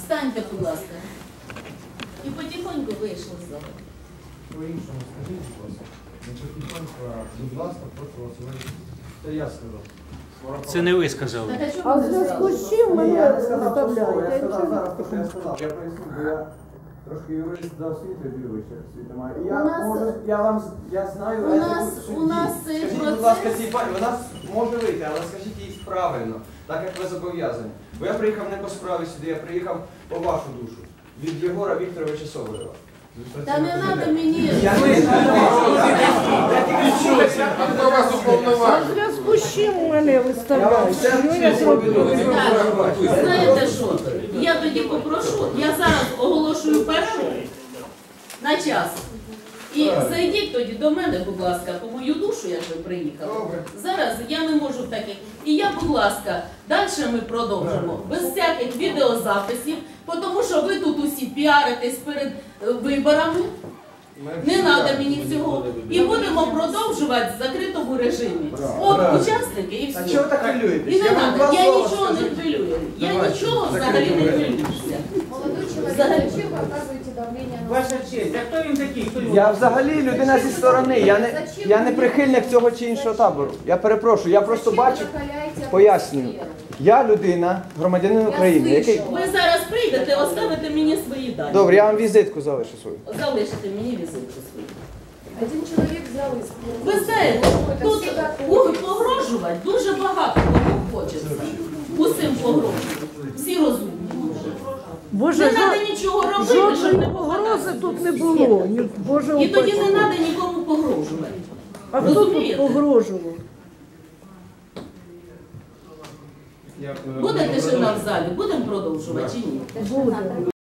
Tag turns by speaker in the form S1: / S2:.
S1: Встаньте, будь ласка. І потихоньку вийшли з зали.
S2: По-іншому скажіть, будь ласка. Не потихоньку, а будь ласка, прошу вас вийти. Це я сказав.
S3: Це не ви сказали.
S1: Так, а чого
S4: А
S1: ви
S4: в
S1: не
S4: зв'язку
S1: зразу?
S4: з чим мене
S2: Я сказав, що
S4: виставляєте?
S2: я сказав зараз, те, що я сказав. Я поясню, бо я трошки юрист за освітою вище освіти маю. І я
S1: У нас-
S2: можу, я вам, я знаю,
S1: у
S2: етику
S1: нас-
S2: судді.
S1: у нас цей
S2: Скажіть,
S1: процес-
S2: будь ласка, цій пані, вона може вийти, але скажіть їй правильно, так як ви зобов'язані. Бо я приїхав не по справі сюди, я приїхав по вашу душу. Від Єгора Вікторовича Соболєва.
S1: Та не треба мені.
S2: Я не
S5: Хто вас
S4: А
S5: уповноважив?
S4: в зв'язку з чим мене
S2: Я вам
S4: виставляють?
S2: все
S4: Що я зробила?
S1: Так, знаєте що? Я тоді попрошу, я зараз оголошую перерву на час. І зайдіть тоді до мене, будь ласка, по мою душу, як ви приїхали. Зараз я не можу таких. І я, будь ласка, далі ми продовжимо. Без всяких відеозаписів, тому що ви тут усі піаритесь перед виборами. Не треба мені цього. І будемо продовжувати в закритому режимі. От учасники і
S2: А
S1: все.
S2: чого так хвилюєтесь?
S1: І не
S2: вам
S1: треба.
S2: два
S1: Я
S2: слова
S1: нічого не
S2: скажу.
S1: хвилюю. Я
S2: Давайте,
S1: нічого взагалі не хвилююся.
S6: Молодой человек,
S1: Взагалі.
S6: зачем вы оказываете давление на
S3: Ваша честь, а хто він такий? Хто його?
S7: Я взагалі людина зі сторони, я не прихильник цього чи іншого табору. Я перепрошую, я просто
S6: Зачем вы
S7: бачу,
S6: накаляете
S7: пояснюю.
S6: атмосферу?
S7: Я людина, громадянин України, який...
S1: Ви зараз прийдете, оставите мені свої дані.
S7: Добре, я вам візитку залишу свою.
S1: Залишите мені візитку свою.
S6: Один человек взял из
S1: Ви знаєте, тут погрожувати дуже багато кому хочеться. Усім погрожувати. Всі розумні.
S4: Боже,
S1: Не треба нічого робити, щоб
S4: жодної
S1: не
S4: погрози
S1: попадати.
S4: тут не було. Ні, Боже,
S1: І тоді не
S4: упаси.
S1: треба нікому погрожувати.
S4: А хто тут
S1: Розумієте?
S4: погрожував?
S1: Буде тишина в залі, будемо продовжувати чи ні?
S4: Буде.